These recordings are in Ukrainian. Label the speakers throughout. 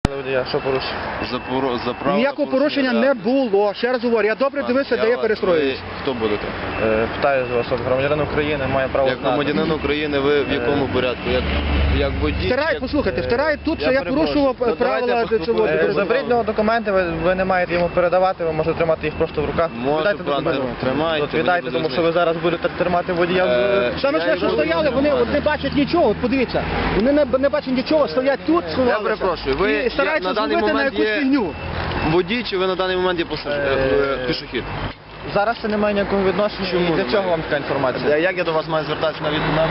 Speaker 1: водія, що порушив?
Speaker 2: Ніякого порушення не було. Ще раз говорю, я добре дивився, де я перестроююсь.
Speaker 3: Хто будете?
Speaker 1: Питаю з вас, от громадянин України має право
Speaker 3: Як
Speaker 1: знати.
Speaker 3: громадянин України ви в якому порядку? Як водій?
Speaker 2: Послухайте, втирають тут, що я порушував правила цього.
Speaker 1: Заберіть нього документи, ви не маєте йому передавати, ви можете тримати їх просто в руках.
Speaker 3: Можу, пане, тримайте.
Speaker 1: От віддайте, тому що ви зараз будете тримати водія.
Speaker 2: Саме ж, що стояли, вони не бачать нічого, от подивіться. Вони не бачать нічого, стоять тут, сховалися.
Speaker 3: Я перепрошую, ви
Speaker 2: і стараються
Speaker 3: на даний
Speaker 2: зробити на
Speaker 3: момент
Speaker 2: якусь
Speaker 3: є
Speaker 2: фігню.
Speaker 3: водій, чи ви на даний момент є пішохід?
Speaker 1: Зараз це не має ніякого відношення.
Speaker 3: Чому?
Speaker 1: Для чого вам така інформація?
Speaker 3: Як я до вас маю звертатися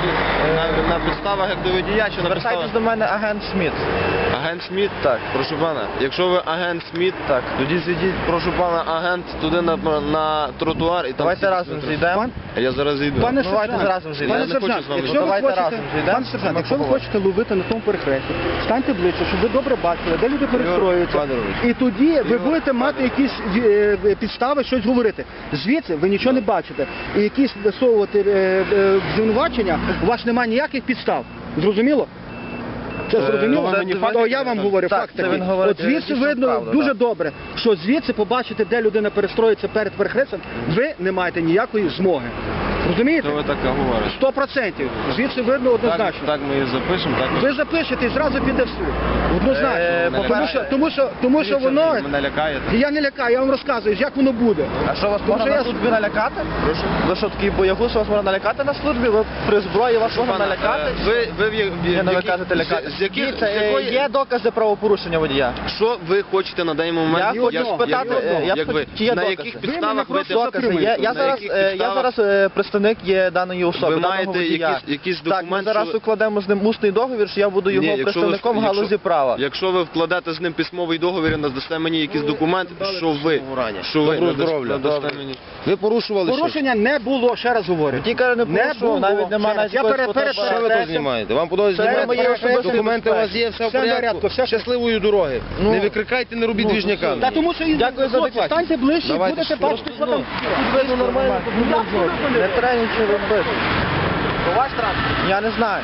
Speaker 3: на підставах, як до водія, чи на підставах?
Speaker 1: Звертайтесь до мене агент Шмідт.
Speaker 3: Агент Шмідт? Так. Прошу пана, якщо ви агент Шмідт,
Speaker 1: Так.
Speaker 3: тоді зійдіть, прошу пана, агент туди на тротуар і там...
Speaker 1: Давайте разом зійдемо.
Speaker 3: Я зараз зійду.
Speaker 2: Пане
Speaker 1: Давайте
Speaker 2: сержант,
Speaker 1: разом зійдемо.
Speaker 2: пане
Speaker 3: Я не хочу
Speaker 2: сержант,
Speaker 3: з вами
Speaker 2: якщо ви
Speaker 1: Давайте
Speaker 2: хочете,
Speaker 1: разом зійдемо.
Speaker 2: пане сержант,
Speaker 1: Ми
Speaker 2: якщо ви
Speaker 1: поговоримо.
Speaker 2: хочете ловити на тому перехресті, станьте ближче, щоб ви добре бачили, де люди перестроюються.
Speaker 3: Федорович.
Speaker 2: І тоді ви будете мати якісь підстави щось говорити. Звідси ви нічого не бачите. І якісь висовувати звинувачення, у вас немає ніяких підстав. Зрозуміло? Це зрозуміло? То я вам говорю,
Speaker 1: Так,
Speaker 2: факт
Speaker 1: це
Speaker 2: такий.
Speaker 1: він говорить
Speaker 2: От звідси
Speaker 1: дійсно
Speaker 2: видно
Speaker 1: правду,
Speaker 2: дуже
Speaker 1: так.
Speaker 2: добре, що звідси побачити, де людина перестроїться перед перехрестям, ви не маєте ніякої змоги. Розумієте?
Speaker 3: Що ви таке говорите?
Speaker 2: 100%. Звідси видно однозначно.
Speaker 3: Так ми і запишемо, так?
Speaker 2: Ви запишете і зразу піде в суд. Однозначно. Тому що воно...
Speaker 3: Ви мене лякаєте?
Speaker 2: Я не лякаю, я вам розказую, як воно буде.
Speaker 1: А що вас
Speaker 2: Тому
Speaker 1: можна
Speaker 2: що
Speaker 1: на
Speaker 2: я-
Speaker 1: службі налякати?
Speaker 3: Прошу?
Speaker 1: Ви що такий боягуз, що вас можна налякати на службі? Ви при зброї вас можна налякати?
Speaker 3: Ви
Speaker 1: Ви кажете лякати.
Speaker 3: З яких...
Speaker 1: Дивіться, є докази правопорушення водія.
Speaker 3: Що ви хочете на даний момент?
Speaker 1: Я хочу спитати, чи є
Speaker 3: на
Speaker 1: докази?
Speaker 3: яких
Speaker 2: Ви
Speaker 3: підставах
Speaker 2: мене
Speaker 3: ви
Speaker 2: просто
Speaker 1: Докази є. Я
Speaker 3: На
Speaker 1: зараз,
Speaker 3: яких підставах?
Speaker 1: представник є даної особи,
Speaker 3: Ви
Speaker 1: даного
Speaker 3: маєте
Speaker 1: водія.
Speaker 3: якийсь
Speaker 1: Так, ми
Speaker 3: документ,
Speaker 1: зараз
Speaker 3: що-
Speaker 1: укладемо з ним усний договір, що я буду його
Speaker 3: Ні, якщо ви-
Speaker 1: представником в галузі
Speaker 3: якщо-
Speaker 1: права.
Speaker 3: Якщо ви вкладете з ним письмовий договір і надасте мені якийсь документ, що ви надасте мені.
Speaker 4: Ви порушували щось?
Speaker 2: Порушення не було, ще раз говорю.
Speaker 1: Ті каже, не
Speaker 2: Не
Speaker 1: порушував,
Speaker 2: було.
Speaker 1: навіть немає
Speaker 2: Ще раз.
Speaker 1: навіть
Speaker 2: Я
Speaker 1: якогось
Speaker 2: перед-
Speaker 1: фотоапарату.
Speaker 4: Що ви тут знімаєте? Вам подобається
Speaker 1: Це
Speaker 4: знімати?
Speaker 1: моє особисте
Speaker 4: Документи у вас є, все в
Speaker 2: Все в порядку,
Speaker 4: порядку.
Speaker 2: все.
Speaker 4: Щасливої дороги.
Speaker 1: Ну,
Speaker 4: Не викрикайте, не робіть двіжняка.
Speaker 2: Та тому що
Speaker 1: Дякую за
Speaker 2: хлопці,
Speaker 1: адекватність.
Speaker 2: станьте ближче,
Speaker 4: Давайте,
Speaker 2: будете
Speaker 4: що
Speaker 2: бачити, що там.
Speaker 1: Видно нормально, не треба нічого робити.
Speaker 2: То ваш транспорт.
Speaker 1: Я не знаю.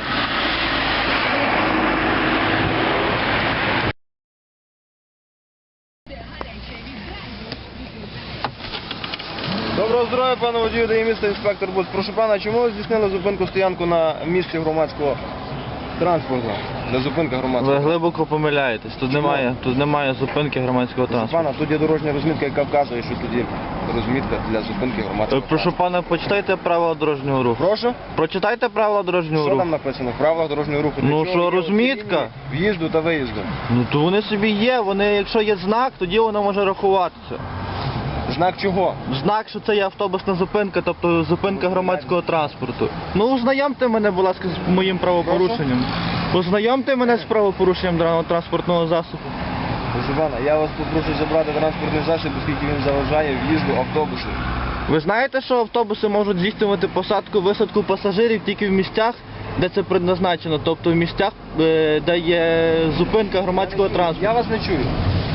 Speaker 3: Доброго здоров'я, пане водію, дає місто інспектор Буц. Прошу пана, чому ви здійснили зупинку-стоянку на місці громадського транспорту? Для зупинки громадського.
Speaker 1: Ви глибоко помиляєтесь. Тут немає зупинки громадського
Speaker 3: Прошу
Speaker 1: транспорту.
Speaker 3: пана, тут є дорожня розмітка, яка вказує, що тут є розмітка для зупинки громадського
Speaker 1: Прошу пана, почитайте правила дорожнього руху.
Speaker 3: Прошу?
Speaker 1: Прочитайте правила дорожнього
Speaker 3: Що
Speaker 1: руху.
Speaker 3: там написано в правилах дорожнього руху? Для
Speaker 1: Ну,
Speaker 3: чого
Speaker 1: що,
Speaker 3: є
Speaker 1: розмітка?
Speaker 3: оці лінії в'їзду та виїзду.
Speaker 1: Ну то вони собі є, якщо є знак, тоді воно може рахуватися.
Speaker 3: Знак чого?
Speaker 1: Знак, що це є автобусна зупинка, тобто зупинка громадського транспорту. Ну, ознайомте мене, будь ласка, з моїм правопорушенням. Ознайомте мене з правопорушенням даного транспортного засобу.
Speaker 3: Прошу пана, я вас попрошу забрати транспортний засіб, оскільки він заважає в'їзду автобусу.
Speaker 1: Ви знаєте, що автобуси можуть здійснювати посадку, висадку пасажирів тільки в місцях, де це предназначено, тобто в місцях, де є зупинка громадського транспорту.
Speaker 3: Я вас не чую.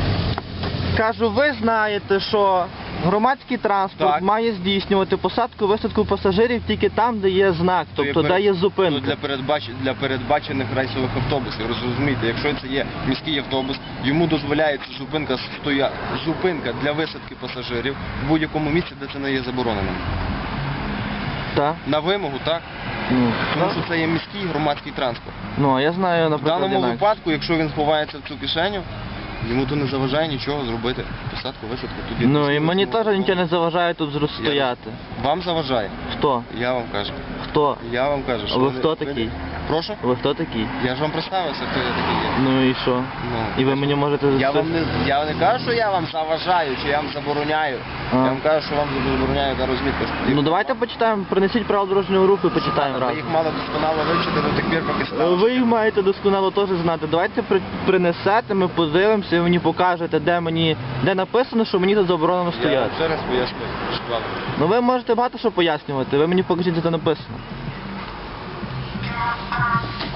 Speaker 1: Кажу, ви знаєте, що громадський транспорт
Speaker 3: Так.
Speaker 1: має здійснювати посадку, висадку пасажирів тільки там, де є знак, тобто де є зупинка.
Speaker 3: Для передбачених рейсових автобусів. Розумієте, якщо це є міський автобус, йому дозволяється зупинка для висадки пасажирів в будь-якому місці, де це не є забороненим.
Speaker 1: Так?
Speaker 3: На вимогу, так?
Speaker 1: Ну,
Speaker 3: Тому що це є міський громадський транспорт.
Speaker 1: ну, а я знаю,
Speaker 3: В
Speaker 1: наприклад,
Speaker 3: даному
Speaker 1: інакше.
Speaker 3: випадку, якщо він ховається в цю кишеню, йому то не заважає нічого зробити. Посадку, висадку тоді.
Speaker 1: Ну, і мені теж нічого не заважає тут стояти.
Speaker 3: Вам заважає?
Speaker 1: Хто?
Speaker 3: Я вам кажу.
Speaker 1: Хто?
Speaker 3: Я вам кажу,
Speaker 1: А
Speaker 3: що
Speaker 1: ви хто такий?
Speaker 3: Прошу?
Speaker 1: Ви хто такий?
Speaker 3: Я ж вам представився, хто я такий є.
Speaker 1: Ну і що?
Speaker 3: Ну,
Speaker 1: І ви мені можете...
Speaker 3: Я не кажу, що я вам заважаю, чи я вам забороняю.
Speaker 1: А.
Speaker 3: Я вам кажу, що вам забороняю та розмітка.
Speaker 1: Ну давайте почитаємо, принесіть правила дорожнього руху і почитаємо
Speaker 3: Ви
Speaker 1: разом.
Speaker 3: їх мали досконало вивчити до тих пір, поки стали.
Speaker 1: Ви їх маєте досконало теж знати. Давайте принесете, ми подивимося, і ви мені покажете, де написано, що мені тут заборонено
Speaker 3: Я
Speaker 1: стояти.
Speaker 3: ще раз поясню. Шквал.
Speaker 1: Ну ви можете багато що пояснювати, ви мені покажіть, де це написано.